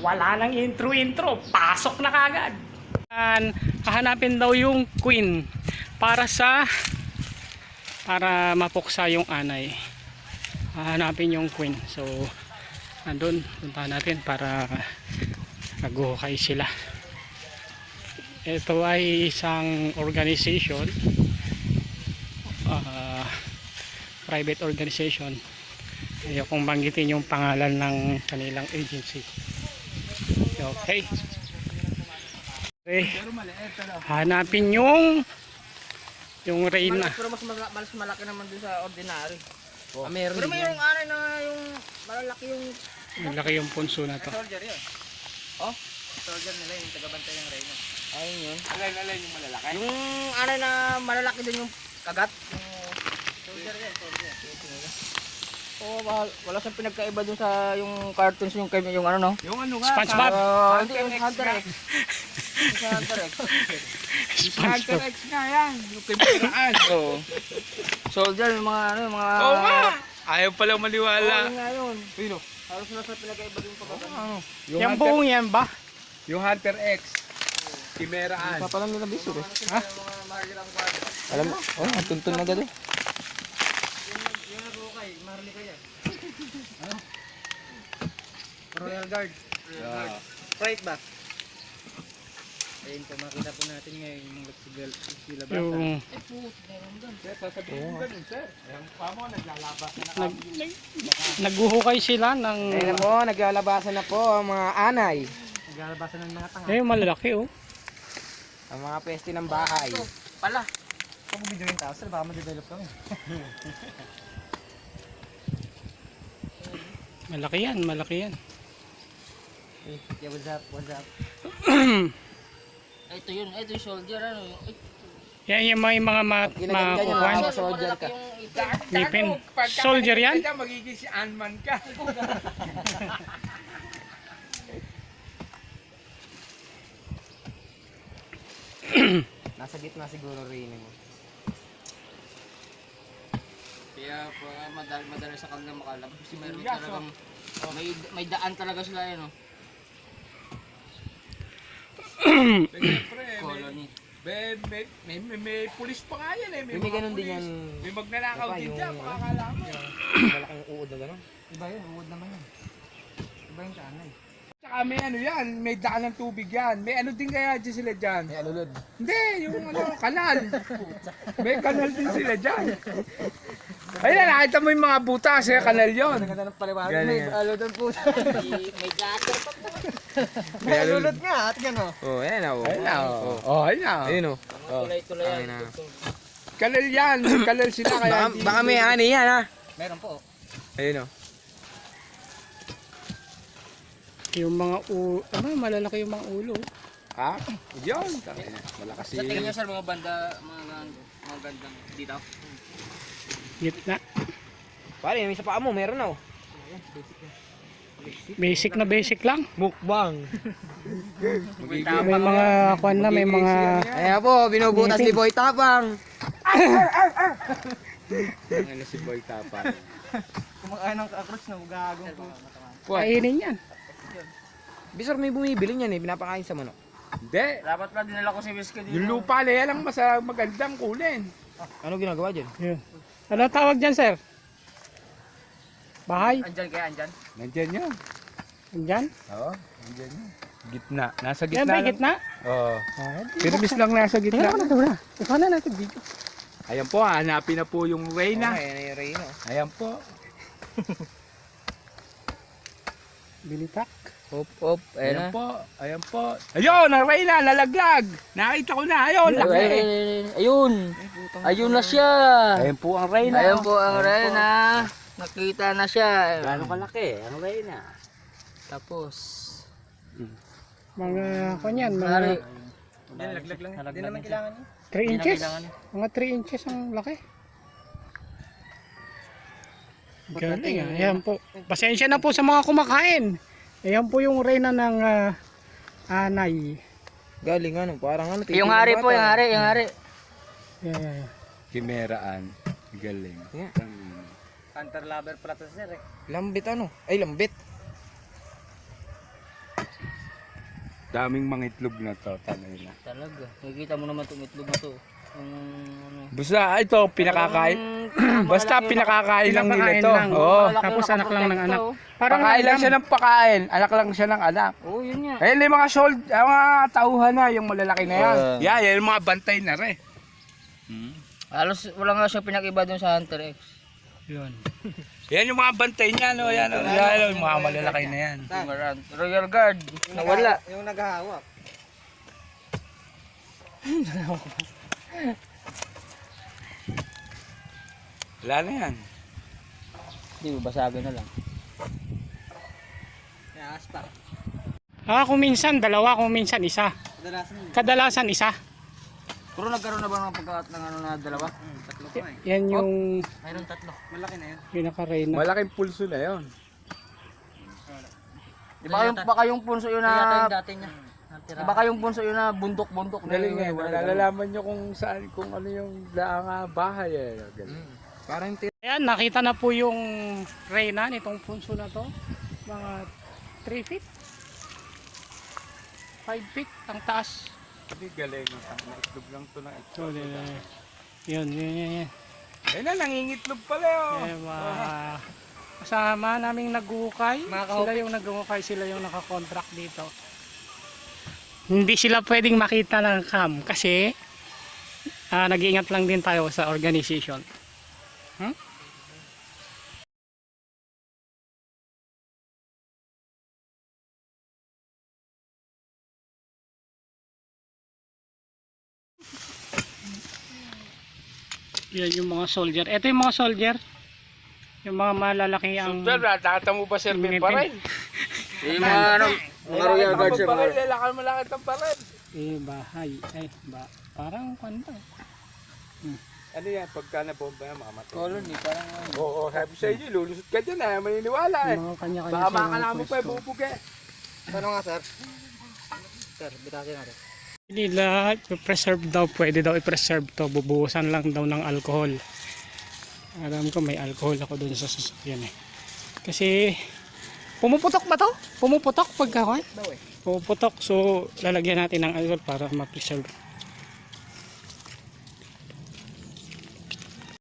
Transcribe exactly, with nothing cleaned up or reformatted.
Wala nang intro-intro, pasok na kagad. Hahanapin daw yung queen para sa para mapuksa yung anay. Hahanapin yung queen. So nandun, punta natin para naghuhukay sila. Ito ay isang organization, uh, private organization. Ayokong banggitin yung pangalan ng kanilang agency. Okay. Okay. Hanapin yung yung reyna. Pero mas malaki, mas malaki naman dun sa ordinary. Oh. Ah, meron Pero may din yung ano na yung malalaki yung Malaki yung punso na to. soldier yun. Oh, soldier nila yung tagabantay ng reyna. Ayun yun. Alay, alay yung malalaki. Yung ano na malalaki din yung kagat. Yung soldier yan, soldier. Oh, wala, wala siyang pinagkaiba dun sa yung cartoons yung kay yung ano no? Yung ano nga? SpongeBob. Uh, hindi yung Hunter X. Yung Hunter X. Hunter X nga yan. Yung kimeraan. Oo. Soldier yung mga ano, yung mga Oo nga. Ayaw palang maniwala. Oo nga yun. Sino? Halos wala siyang pinagkaiba dun sa kagat. Ano? Yung buong yan ba? Yung Hunter X. Kimeraan. Papalam nila bisur eh. Ha? Alam mo? Oh, tuntun na gado. Royal Guard. Royal Guard. Right back. Ayun po, makita po natin ngayon yung mga sila bata. Yung Sir, sasabihin mo ganun, sir. Yung pamo, naglalabasan na nag, naghuhukay sila ng Ayun na po, naglalabasan na po ang mga anay. Naglalabasan ng mga tanga. eh malalaki oh. Ang mga peste ng bahay. Pala. Kung video yung tao, sir, baka ma-develop kami. Malaki yan, malaki yan. Yeah, what's up, what's up? Ito yun, ito yung soldier, ano yung... Yan yung may mga mat, makukuhan. Mga soldier ka. Ngipin. Soldier yan? Magiging si Ant-Man ka. Nasa gitna siguro rin mo. Kaya po, madali, madali sa kanila makalabas. Kasi mayroon talagang... May, may daan talaga sila yun, no? Siyempre, may, Colony. may, may, may, may, may pulis pa nga yan eh. May, May mga ganun din pulis. yan. May magnanakaw Diba, din yung- dyan, makakala mo. Malaking uod na gano'n. Iba yun, uod naman yun. Iba yung tanay. Tsaka may ano yan, may daan ng tubig yan. May ano din kaya dyan sila dyan. May alulod. Hindi, yung ano, kanal. May kanal din sila dyan. Ayun na, nakita mo yung mga butas, eh, kanal yun. Ganda ng paliwanag. Galing May yan. alulod po. May gutter pa po. May May alulod. alulod nga at gano'n. Oh, ayan na. Oh. Ayun na, oh. Oh, ayun na. Ayun oh. Tulay-tulay Ayun yan. na. Kanal yan, kanal sila kaya Baka, hindi- baka may ani yan ha. Meron po. Ayun oh. Yung mga u ano, malalaki yung mga ulo. Ha? Yun. Malakas Sa tingin nyo si... sir, mga banda, mga, mga gandang dito? Gitna. Pare, may sa paa mo, meron na oh. Basic na basic lang. Mukbang. May mga kwan na, may mga Ayan po, binubutas ni Boy Tapang. Ano si Boy Tapang? Kumakain ng kakrots na magagong po. kainin yan. Bisor may bumibili niyan eh, pinapakain sa manok. Hindi. Dapat pala dinala ko si Whiskey dito. Yung lupa na yan ang masa magandang kulin. Ano ginagawa dyan? Yun. Ano tawag dyan, sir? Bahay? Andyan kaya, andyan? Nandyan yun. Andyan? Oo, nandyan yun. Gitna. Nasa Yan gitna ba yung lang. gitna? Oo. Ah, di- Pirmis lang nasa Tingnan gitna. ko na ito na. Ikaw na natin dito. Ayan po, hanapin na po yung Reyna. Ayan na yung Reyna. Ayan po. Bilitak. Hop, hop. Ayan Ayan na. po. Ayan po. Ayun, ang Reyna, nalaglag. Nakita ko na. Ayun, laki. Ayun. Ayun na siya. Ayan po ang Reyna. Ayun po ang Reyna. Nakita na siya. Gano'ng kalaki ang Reyna? Tapos. Mga kwan yan, mga Mari. Yan, laglag lang. Hindi naman kailangan niya. three Hindi na inches. kailangan niya. Mga three inches ang laki. Galing natin ah. yung- Ayan po. Pasensya na po sa mga kumakain. Ayan po yung reyna ng ah, anay. Galing ano, parang ano. Yung hari po, yung hari, yung hari. Yeah, yeah, yeah. Kimeraan. Galing. Yeah. Hunter lover pala to sir eh. Lambit ano? Ay, lambit. Daming mga itlog na to, tanay na. Talaga. Nakikita mo naman itong itlog na to. Yung ano. Basta ito, pinakakain. Talagang Basta malaki- pinakakain lang nila Pinapakain to. lang. Oo. malaki Tapos yung anak lang ng nakaprotekta, anak. oh. Parang Pakain lang alam. siya ng pakain. Anak lang siya ng anak. Oo, yun nga. Ayun yung mga sold, ang mga tauhan na, yung malalaki na yan. Oo. Yan, yan yung mga bantay na rin. Halos wala nga siya pinag-iba dun sa Hunter X. Yun. Yan yung mga bantay niya, no? Yan, oh. Yan, yung mga malalaki na yan. Yung Maran- Royal Guard. Nawala. Yung naghahawak. Wala na yan. Hindi, basagin na lang. Ah, kung minsan dalawa, kung minsan isa. Kadalasan isa. Pero nagkaroon na ba ng pagkakat ng ano na dalawa? Tatlo pa eh. Yan yung Mayroon tatlo. Malaki na yun. pinaka-reyna. Malaking pulso na yun. Di ba yung, baka yung punso yun na... dati niya. Di ba kayong punso yun na bundok-bundok? na Galing yun, eh, wala- nalalaman nyo kung saan, kung ano yung daang ah, bahay eh. Galing. Parang tira. Ayan, nakita na po yung reyna nitong punso na to. Mga three feet. five feet ang taas. Hindi galing. Ang itlog lang to na So, itlog. yun, yun, yun, yun. Ayun na, nangingitlog pala oh. Eh, mga kasama naming naghuhukay. Mga kahukay. Sila yung naghuhukay, sila yung nakakontract dito. Hindi sila pwedeng makita ng cam kasi ah, nag-iingat lang din tayo sa organization. Hmm? Yan yung mga soldier. Ito yung mga soldier. Yung mga malalaki ang... Sir, nakata mo ba sir Ngipin. pa rin? Yung mga ano, mga Royal Guard sir. mga- Lalakal mo lang itong pa rin. Eh, bahay. Ay, ba, parang kwanta. Ano yan, pagka nabomba yan, makamatay. Colony, parang ano. Oo, sabi sa inyo, lulusot ka dyan eh, maniniwala eh. Mga kanya-kanya Baka silang makakalaman mo pa, pwesto. bubuge. Ano nga sir? Sir, bitasin natin. Hindi lahat i-preserve daw, pwede daw i-preserve to, bubuhusan lang daw ng alcohol. Alam ko may alcohol ako dun sa sasakyan eh. Kasi pumuputok ba to? Pumuputok pagkakuan? Pumuputok, so lalagyan natin ng alcohol para ma-preserve.